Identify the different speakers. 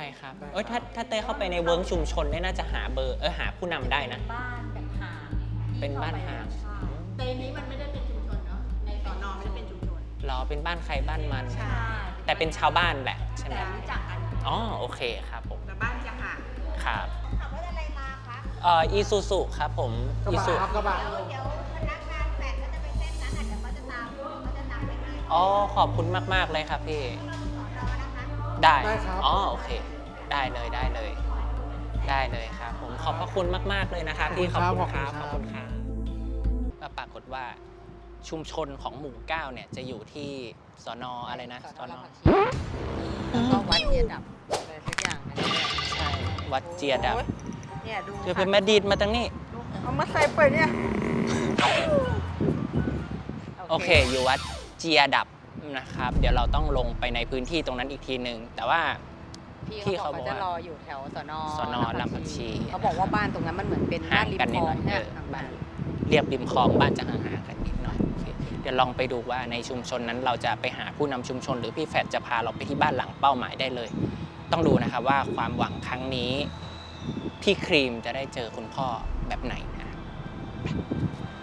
Speaker 1: ครับถ้าเต้เข้าไปในเวิร์กชุมชนเนี่ยน่าจะหาเบอร์หาผู้นำได้นะ
Speaker 2: บ้านแบบห่าง
Speaker 1: เป็นบ้านห่าง
Speaker 2: แต่นี้มันไม่ได้เป็นชุมชนเนาะในสน.ไม่ได้เป็นชุมชน
Speaker 1: รอเป็นบ้านใครบ้านมัน
Speaker 2: ใช่
Speaker 1: แต่เป็นชาวบ้านแหละใช่ไหม
Speaker 2: แต่รู้จักกัน
Speaker 1: อ๋อโอเคครับผม
Speaker 2: แต่บ้านจะห่าง
Speaker 1: ครับ
Speaker 2: ขับรถอะไรมาคะ
Speaker 1: อีซูซุครับผมอีซู
Speaker 3: กระบะ
Speaker 2: เดี๋ยวพนักงานแฝดก็จะไปเส้นนั้นอาจจะเขาจะตามไปให้
Speaker 1: อ๋อขอบคุณมากๆเลยครับพี่
Speaker 2: รอนะคะ
Speaker 1: ได้อ๋อโอเคได้เลยได้เลยได้เลยครับผมขอบพระคุณมากๆเลยนะครับพี่ขอบคุณครับขอบคุณครับปรากฏว่าชุมชนของหมู่9เนี่ยจะอยู่ที่สน.อะไรนะสน.
Speaker 2: แล้วก็วัดเจียดับอะไรสักอย่างนี่
Speaker 1: ใช่วัดเจียดับ
Speaker 2: เนี่ยดู
Speaker 1: จะเป็นแม่ดีดมาตั้งนี้
Speaker 2: เอามาใส่ไปเนี่ย
Speaker 1: โอเคอยู่วัดเจียดับนะครับเดี๋ยวเราต้องลงไปในพื้นที่ตรงนั้นอีกทีหนึ่งแต่ว่า
Speaker 2: พี่เขาบอกจะรออยู่แถวสน.
Speaker 1: ลำผักชี
Speaker 2: เขาบอกว่าบ้านตรงนั้นมันเหมือนเป็นบ้านริมคลองเนี่ย
Speaker 1: บ้านเรียบริมคลองบ้านจะห่างๆกันนิดหน่อยเดี๋ยวลองไปดูว่าในชุมชนนั้นเราจะไปหาผู้นำชุมชนหรือพี่แฟดจะพาเราไปที่บ้านหลังเป้าหมายได้เลยต้องดูนะครับว่าความหวังครั้งนี้พี่ครีมจะได้เจอคุณพ่อแบบไหนนะ